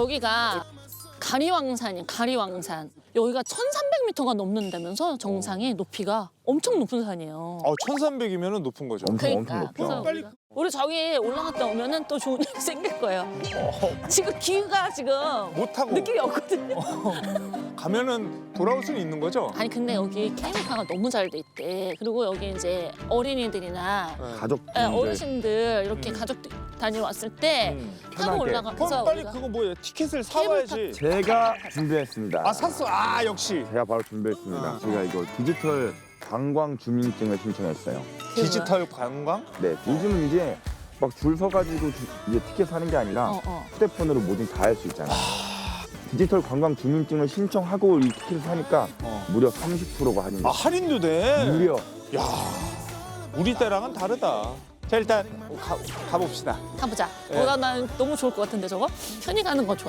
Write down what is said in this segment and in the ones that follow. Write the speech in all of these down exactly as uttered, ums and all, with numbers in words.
여기가 가리왕산이야, 가리왕산. 여기가 천삼백 미터가 넘는다면서 정상이 높이가 엄청 높은 산이에요. 어, 천삼백이면 높은 거죠. 엄청 그러니까 엄청 그래서 높죠. 우리가 우리 저기 올라갔다 오면은 또 좋은 일이 생길 거예요. 지금 기가 지금 못 타고 느낌이 없거든요. 가면은 돌아올 수는 있는 거죠? 아니 근데 여기 케이블카가 너무 잘 돼 있대. 그리고 여기 이제 어린이들이나 네. 가족 예, 어르신들 이렇게 음. 가족들 다니러 왔을 때 음. 타고 편하게. 올라가서 그럼 빨리 우리가 그거 뭐예요? 티켓을 사와야지. 제가 준비했습니다. 아 샀어. 아 역시 제가 바로 준비했습니다. 아. 제가 이거 디지털 관광 주민증을 신청했어요. 디지털 관광? 네, 요즘은 이제 막 줄 서가지고 주- 이제 티켓 사는 게 아니라 어, 어. 휴대폰으로 뭐든 다 할 수 있잖아요. 디지털 관광 주민증을 신청하고 이 티켓을 사니까 어. 무려 삼십 퍼센트가 할인. 아 할인도 돼. 무려. 야 우리 때랑은 다르다. 자 일단 가, 가봅시다. 타보자. 예. 어, 나, 난 너무 좋을 것 같은데 저거? 편히 가는 거 좋아.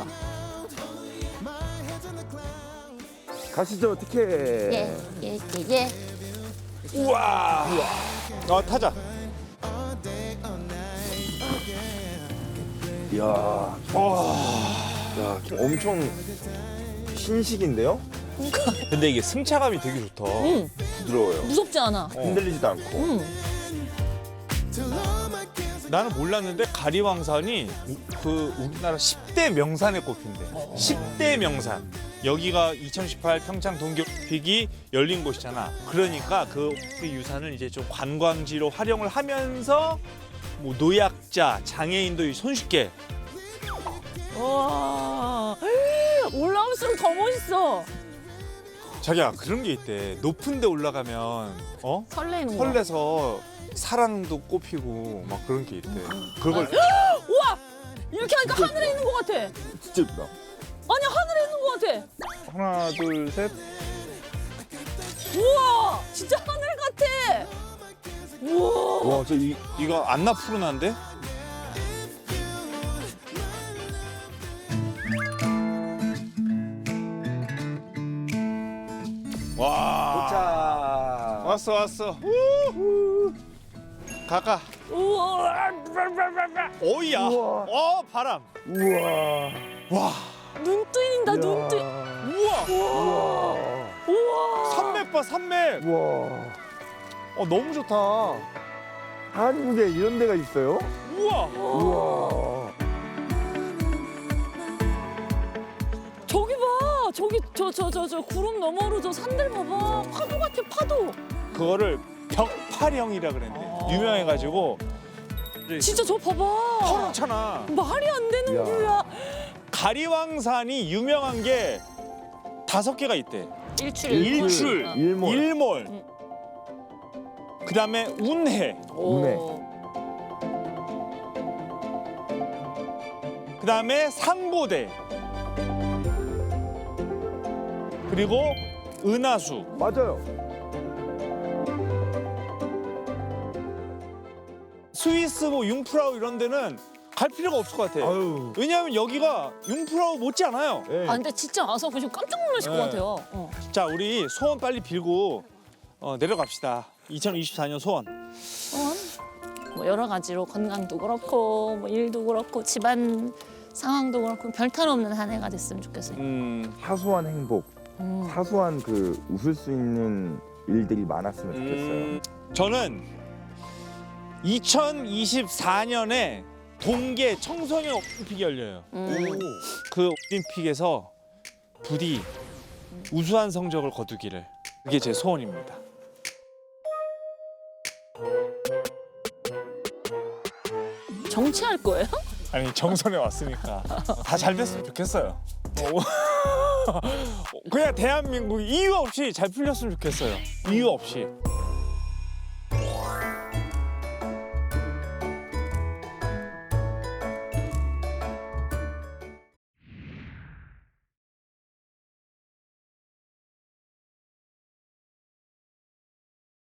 가시죠, 티켓. 예, 예, 예, 예. 우와. 어 타자. 이야, 와. 야, 엄청 신식인데요? 근데 이게 승차감이 되게 좋다. 응, 부드러워요. 무섭지 않아. 어. 흔들리지도 않고. 응. 나는 몰랐는데 가리왕산이 우- 그 우리나라 십 대 명산에 꼽힌대. 십 대 명산. 여기가 이천십팔 평창 동계올림픽이 열린 곳이잖아. 그러니까 그 유산을 이제 좀 관광지로 활용을 하면서 뭐 노약자, 장애인도 손쉽게. 와, 올라올수록 더 멋있어. 자기야 그런 게 있대. 높은 데 올라가면 어? 설레는 거. 설레서 사랑도 꼽히고 막 그런 게 있대. 그걸 우와, 이렇게 하니까 하늘에 있는 것 같아. 진짜 예쁘다. 아니 하늘에 있는 것 같아. 하나 둘 셋. 우와, 진짜 하늘 같아. 우와. 와, 저 이, 이거 안나 푸르나인데? 와. 자, 왔어, 왔어. 우후. 가가. 우와. 오이야. 우와. 어, 바람. 우와. 와. 눈 뜨인다, 눈 뜨. 우와. 우와. 우와. 산맥 봐, 산맥. 우와. 어, 너무 좋다. 한국에 이런 데가 있어요? 우와. 우와. 저기 봐, 저기 저 저 저 저 구름 너머로 저 산들 봐봐. 파도 같아, 파도. 그거를 벽파령이라 그랬는데. 아. 유명해가지고. 진짜 저 봐봐. 파랗잖아. 말이 안 되는 야. 뷰야. 가리왕산이 유명한 게 다섯 개가 있대. 일출. 일출, 어. 일몰. 일몰. 응. 그다음에 운해. 운해. 그다음에 상보대. 그리고 은하수. 맞아요. 스위스 뭐 융프라우 이런 데는 갈 필요가 없을 것 같아. 아유. 왜냐하면 여기가 융프라우 못지 않아요. 예. 아 근데 진짜 와서 보시면 깜짝 놀라실 네. 것 같아요. 어. 자, 우리 소원 빨리 빌고 어, 내려갑시다. 이천이십사 년 소원. 어? 뭐 여러 가지로 건강도 그렇고 뭐 일도 그렇고 집안 상황도 그렇고 별탈 없는 한 해가 됐으면 좋겠어요. 음, 사소한 행복, 음. 사소한 그 웃을 수 있는 일들이 많았으면 좋겠어요. 음, 저는 이천이십사 년에 동계 청소년 올림픽이 열려요. 음. 그 올림픽에서 부디 우수한 성적을 거두기를. 그게 제 소원입니다. 정치할 거예요? 아니 정선에 왔으니까 다 잘 됐으면 좋겠어요. 어, 그냥 대한민국 이유 없이 잘 풀렸으면 좋겠어요. 이유 없이.